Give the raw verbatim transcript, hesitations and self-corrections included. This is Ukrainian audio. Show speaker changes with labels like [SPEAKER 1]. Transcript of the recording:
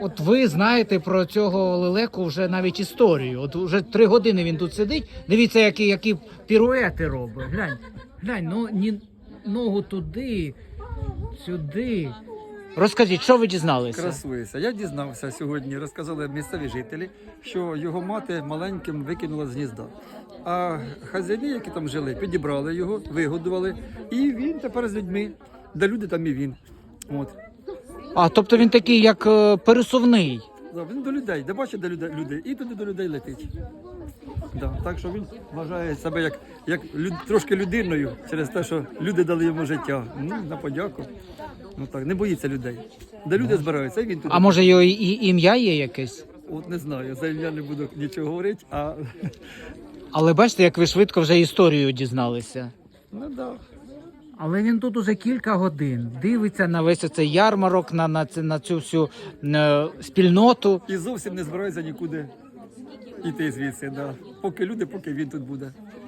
[SPEAKER 1] От ви знаєте про цього лелеку вже навіть історію. От вже три години він тут сидить. Дивіться, які, які піруети робить. Глянь, глянь, ну ні ногу туди, сюди. Розкажіть, що ви дізналися?
[SPEAKER 2] Красується. Я дізнався сьогодні, розказали місцеві жителі, що його мати маленьким викинула з гнізда. А хазяїни, які там жили, підібрали його, вигодували, і він тепер з людьми, де люди, там і він. От.
[SPEAKER 1] А, тобто він такий, як е, пересувний.
[SPEAKER 2] Да, він до людей, де бачить, де люди, люди, і туди до людей летить. Да, так що він вважає себе як, як люд, трошки людиною через те, що люди дали йому життя. Ну, на подяку. Ну так, не боїться людей. Де люди збираються, і він туди.
[SPEAKER 1] А може його і, і ім'я є якесь?
[SPEAKER 2] От не знаю, за ім'я не буду нічого говорити, а
[SPEAKER 1] Але бачите, як ви швидко вже історію дізналися.
[SPEAKER 2] ну да.
[SPEAKER 1] Але він тут уже кілька годин дивиться на весь цей ярмарок, на, на, це- на цю всю е, спільноту.
[SPEAKER 2] І зовсім не збирається нікуди йти звідси. Да. Поки люди, поки він тут буде.